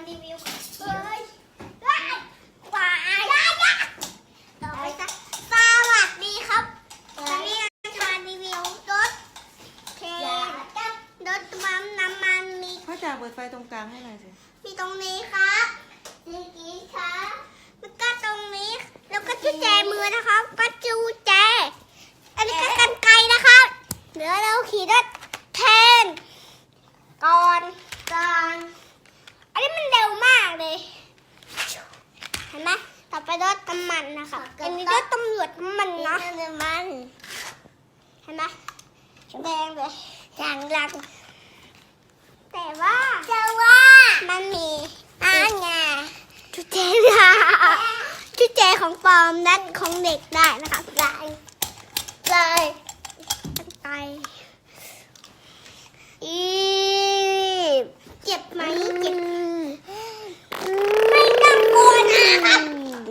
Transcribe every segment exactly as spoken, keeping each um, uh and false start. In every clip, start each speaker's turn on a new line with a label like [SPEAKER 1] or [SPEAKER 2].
[SPEAKER 1] รีวิวเฮ้ยควายต่อไปค่ะสวัสดีครับวันนี้เราจะมารีวิวรถเคนรถปั๊มน้ำมันมี
[SPEAKER 2] พ่อจ๋าเปิดไฟตรงกลางให้หน่อยสิ
[SPEAKER 1] มีตรงนี้ครับนี่กี้ครับแล้วก็ตรงนี้แล้วก็จุดแจมือนะครับก็จูแจอันนี้ก็กันไกรนะครับเดี๋ยวเราขี่รถแทนก่อนก่อนอันนี้มันเร็วมากเลยเห็นไหมต่อไปรถน้ำมันนะคะอันนี้รถตำรวจน้ำมันนะน้ำมันเห็นไหมแดงเลยจางลังแต่ว่าแต่ว่ามันมีอ่างไงจุดเจค่ะจุดเจของปลอมนั้นของเด็กได้นะคะได้เลยตั้งใจอีเจ็บไหมเจ็บไม่ต้องกลัวนะครับ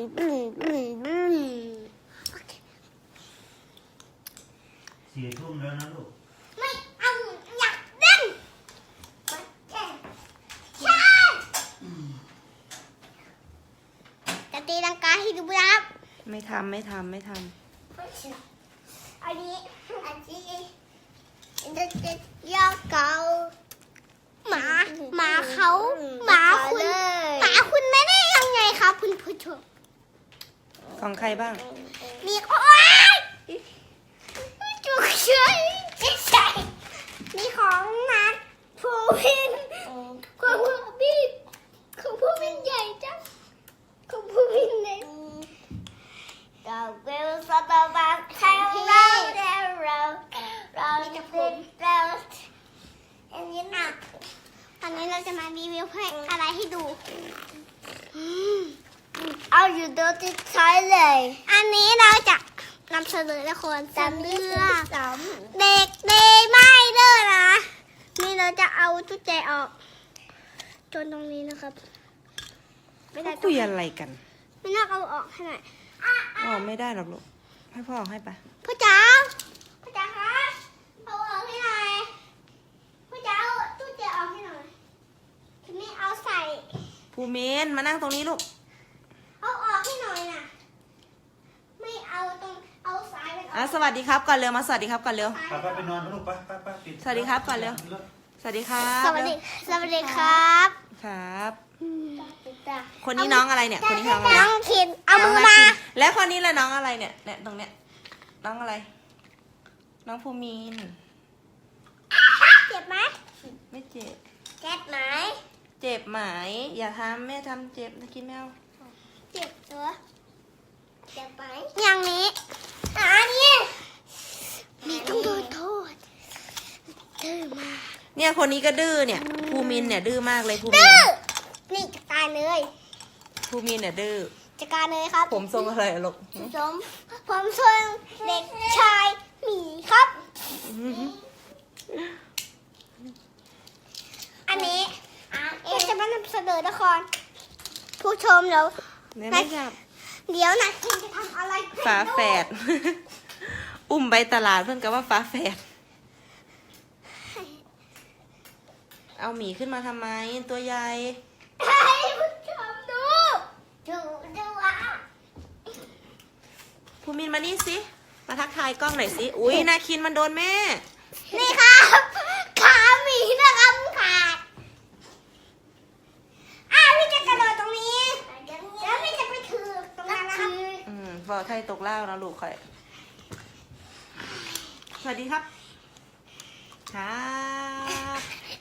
[SPEAKER 3] สี่ทุ่มแล้วนะลูก
[SPEAKER 1] ไม่เอาอยากเล่นใช่จะตีลังกาให้ดูนะครับ
[SPEAKER 2] ไม่ทำไม่ทำไม่ท
[SPEAKER 1] อันนี้อันนี้จะจะยอกเกาหมาหมาเขาหมาคุณหมาคุณไม่ได้ยังไงครับคุณผู้ชม
[SPEAKER 2] ำของใครบ้าง
[SPEAKER 1] มีโอ้ยจุกเฉยใช่มีของนัดผู้วินของผู้วินของผู้วินใหญ่จังของผู้วินเล็กเราเวลสตาร์บัคแข่งเราเราเราจะพูดเราอันนี้หนักตอนนี้เราจะมารีวิวเพลงอะไรให้ดูเอาอยู่โดยที่ใช้เลยอันนี้เราจะนำเสนอละครสามเรื่องเด็กเดย์ไม่เด้อนะนี่เราจะเอาจุดใจออกจนตรงนี้นะครับไม่ได้
[SPEAKER 2] คุยอะไรกัน
[SPEAKER 1] ไม่น่าเอาออกให้หน่อย
[SPEAKER 2] อ๋อไม่ได้หรอกลูกให้พ่อเอาให้ไป
[SPEAKER 1] พ่อจ๋าพ่อจ๋าคะเอาออกให้หน่อยพ่อจ๋าเอาจุดใจออกให้หน่อยทีนี้เอาใส่
[SPEAKER 2] ภูมินมานั่งตรงนี้ลูก
[SPEAKER 1] เอาออกให้หน่อยนะไม่เอาตรงเอาสายมันอ
[SPEAKER 2] อ่ะ
[SPEAKER 1] อก
[SPEAKER 2] สวัสดีครับก่อนเร็วมาสวัสดีครับก่อนเร็ว
[SPEAKER 3] ไปไปไปนอนนะลูกไปไปไปปิด
[SPEAKER 2] สวัสดีครับก่อนเร็ว สวัสดีครับ
[SPEAKER 1] สวัสดีสวัสดีครับ
[SPEAKER 2] ครับ
[SPEAKER 1] อืม
[SPEAKER 2] คนนี้น้องอะไรเนี่ย คนนี้น้องอะไร
[SPEAKER 1] น้องคินเอามือ
[SPEAKER 2] น้ง
[SPEAKER 1] มา
[SPEAKER 2] คินแล้วคนนี้ละน้องอะไรเนี่ยเนี่ยตรงเนี้ยน้องอะไร น้องภูมิน
[SPEAKER 1] เจ็บไหม
[SPEAKER 2] ไม่เจ็บ
[SPEAKER 1] เจ็บไหม
[SPEAKER 2] เจ็บไหมอย่าทำแม่ทำเจ็บนะคิดแมว
[SPEAKER 1] เจ็บตัวเจ็บไหมอย่างนี้อันนี้มีต้องโดนโทษดื้อมาก
[SPEAKER 2] เนี่ยคนนี้ก็ดื้อเนี่ยภูมินเนี่ยดื้อมากเลยภูมิน
[SPEAKER 1] ดื้อนี่จัดการเลย
[SPEAKER 2] ภูมินเนี่ยดื้อ
[SPEAKER 1] จัดการเลยครับ
[SPEAKER 2] ผมทรงอะไรอะลูก
[SPEAKER 1] ผมผมชวนเด็กชายหมีครับ อันนี้เอะจะมานำเสนอละครผู้ชมเดี๋ยว
[SPEAKER 2] เนี่ยไม่จับ
[SPEAKER 1] เดี๋ยวนะคินจะทำอะไร
[SPEAKER 2] ฝาแฝด อุ้มไปตลาดเพื่อนกับว่าฝาแฝด เอาหมีขึ้นมาทำไมตัวใหญ่
[SPEAKER 1] ให้ผู้ชมดูดูดูอ่ะ
[SPEAKER 2] ภูมินมานี่สิ มาทักทายกล้องหน่อยสิ อุ้ยนาคินมันโดนแม่
[SPEAKER 1] นี่ครับขาหมีนะครับขาดอ้าวพี่จะกระโดดตรงนี้แล้วพี่จะไปถือตรงนั้นนะครับ
[SPEAKER 2] อืมฟอไทยตกเล่านะลูกค่อย สวัสดีครับ ครับ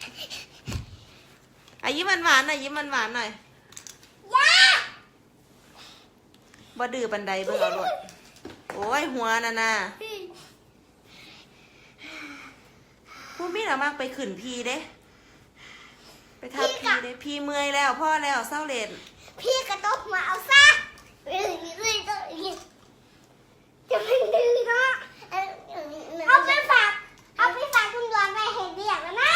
[SPEAKER 2] อ่ะยิ้มหวานๆหน่อยยิ้มหวานๆหน่อย
[SPEAKER 1] ย่า
[SPEAKER 2] บ่ดื้อบันไดเบิ่งเอาโลดโอ้ยหัวน่ะนะผู้มีน่ะมากไปขึ้นพีเด้ ไปทับพีเด้พีเมื่อยแล้วพ่อแล้วเศร้าเล่น
[SPEAKER 1] พี่กระตกมาเอาซะเอ้ยเอ้ยเอ้ยจะไม่ดื้อเนาะเอาไปฝากเอาไปฝากคุณดวนไปเห็นเรียกแล้วนะ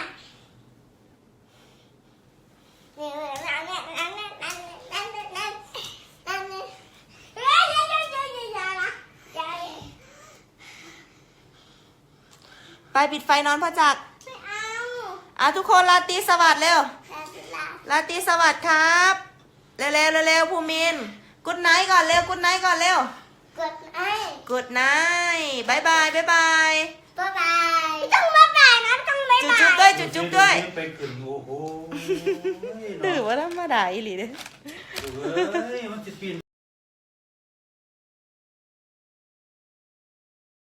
[SPEAKER 1] เนี่ยนั่นเนี่ยนั่นเนี่ยนั่นนั่นนั่นนั่นนั่นเนี่ยเฮ้ยเฮ้ยเฮ้ยเฮ้ยเฮ้ยอย่านะอย่า
[SPEAKER 2] ไปปิดไฟนอนพ่อจักร
[SPEAKER 1] ไม่เอา
[SPEAKER 2] อ่ะทุกคนราตรีสวัสดิ์เร็ว
[SPEAKER 1] แต่เวลา
[SPEAKER 2] ลาตรีสวัสดิ์ครับ เร็วเร็วเร็วภูมินกุดไนท์ก่อนเร็วกุดไนท์ก่อนเร็ว
[SPEAKER 1] กดไอ้
[SPEAKER 2] กุดไนท์บายบายบายบาย
[SPEAKER 1] บ๊ายบายไม่ต้องบ๊ายบายนะไม่ต้องบ๊าย
[SPEAKER 2] จุ๊
[SPEAKER 1] บา
[SPEAKER 2] บจุ๊บด้วย ยจุ๊บจุ๊บด้วย
[SPEAKER 3] ไปขึ้นโอ้โห
[SPEAKER 2] ดื้อว่าธรรมดาอีหลีเด้อ
[SPEAKER 3] เอ้ยมันจะปีน